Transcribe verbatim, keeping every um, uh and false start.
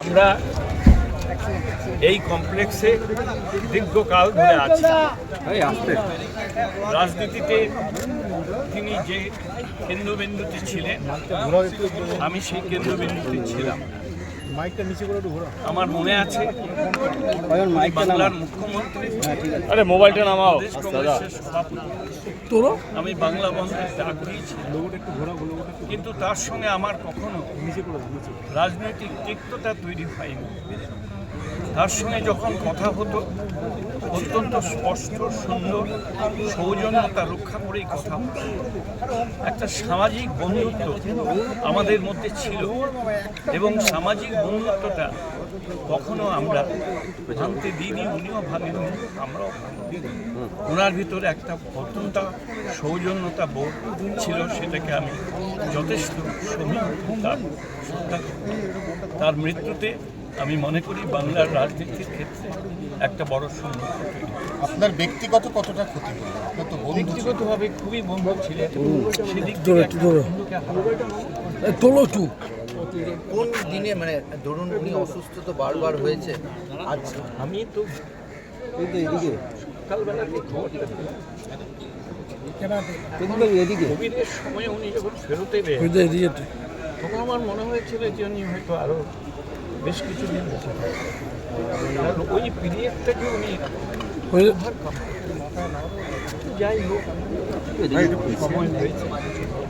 আমরা এই কমপ্লেক্সে দীর্ঘকাল ধরে আছি। রাজনীতিতে তিনি যে কেন্দ্রবিন্দুতে ছিলেন, আমি সেই কেন্দ্রবিন্দুতে ছিলাম। আমার মনে আছে বাংলার মুখ্যমন্ত্রী আরে মোবাইলটা নামাও কংগ্রেসের সভাপতি, আমি বাংলা বন্ধের ডাক দিয়েছিলাম, কিন্তু তার সঙ্গে আমার কখনো রাজনৈতিক তিক্ততা তৈরি হয়নি। তার সঙ্গে যখন কথা হতো অত্যন্ত স্পষ্ট, সুন্দর, সৌজন্যতা রক্ষা করেই কথা হতো। একটা সামাজিক বন্ধুত্ব আমাদের মধ্যে ছিল এবং সামাজিক বন্ধুত্বটা কখনো আমরা ভাঙতে দিইনি, উনিও ভাঙেননি, আমরাও ভাঙিনি। ওনার ভিতরে একটা অত্যন্ত সৌজন্যতা বোধ ছিল, সেটাকে আমি যথেষ্ট তার শ্রদ্ধা করি। তার মৃত্যুতে আমি মনে করি বাংলার রাজনীতির ক্ষেত্রে একটা বড় শূন্য। আপনার ব্যক্তিগত কতটা ক্ষতি হলো? আপনার তো ব্যক্তিগতভাবে খুবই বন্ধু ছিলেন, সেদিক কোন দিনে মানে ধরুন উনি অসুস্থ তো বারবার হয়েছে, আজ আমি তো সকালবেলা কোভিডের সময় উনি যখন ফেরত এলেন তখন আমার মনে হয়েছিল যে উনি হয়তো আরো বেশ কিছু দিন বেঁচে থাকবেন। ওই পিরিয়ডটাকে উনি যাই হোক সময় হয়েছে।